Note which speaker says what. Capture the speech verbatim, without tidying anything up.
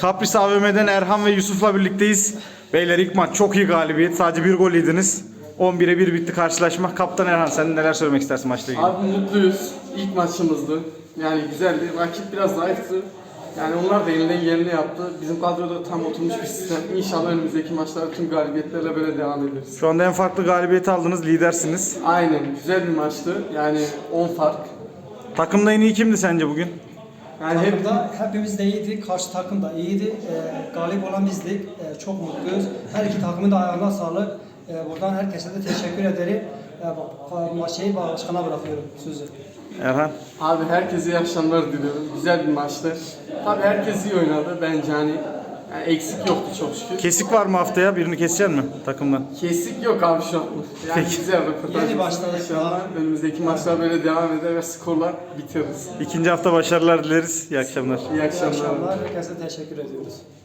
Speaker 1: Kapris A V M'den Erhan ve Yusuf'la birlikteyiz. Beyler ilk maç çok iyi galibiyet. Sadece bir gol yediniz. on bire bir bitti karşılaşma. Kaptan Erhan, sen neler söylemek istersin maçla ilgili?
Speaker 2: Abi mutluyuz. İlk maçımızdı. Yani güzeldi. Rakip biraz zayıftı. Yani onlar da elinden geleni yaptı. Bizim kadroda tam oturmuş bir sistem. İnşallah önümüzdeki maçlarda tüm galibiyetlerle böyle devam ederiz.
Speaker 1: Şu anda en farklı galibiyeti aldınız. Lidersiniz.
Speaker 2: Aynen. Güzel bir maçtı. Yani on fark.
Speaker 1: Takımda en iyi kimdi sence bugün?
Speaker 2: Yani hep
Speaker 3: Takımda hepimiz de iyiydik, karşı takım da iyiydi. Ee, galip olan bizdik. Ee, çok mutluyuz. Her iki takımın da ayağına sağlık. Ee, buradan herkese de teşekkür ederim. Ee, maçı başkana bırakıyorum sözü.
Speaker 1: Erhan?
Speaker 2: abi herkese iyi akşamlar diliyorum. Güzel bir maçtı. Tabii herkes iyi oynadı. Bence hani yani eksik yoktu çok şükür.
Speaker 1: Kesik var mı haftaya? Birini keseceksin mi takımdan?
Speaker 2: Kesik yok abi şu an. Yani
Speaker 1: Peki.
Speaker 2: güzel röportaj.
Speaker 3: Yeni başladık.
Speaker 2: İnşallah önümüzdeki maçlar böyle devam eder ve skorlar bitiririz.
Speaker 1: İkinci hafta başarılar dileriz. İyi akşamlar.
Speaker 2: İyi
Speaker 3: İyi
Speaker 2: akşamlar.
Speaker 3: akşamlar. Herkese teşekkür ediyoruz.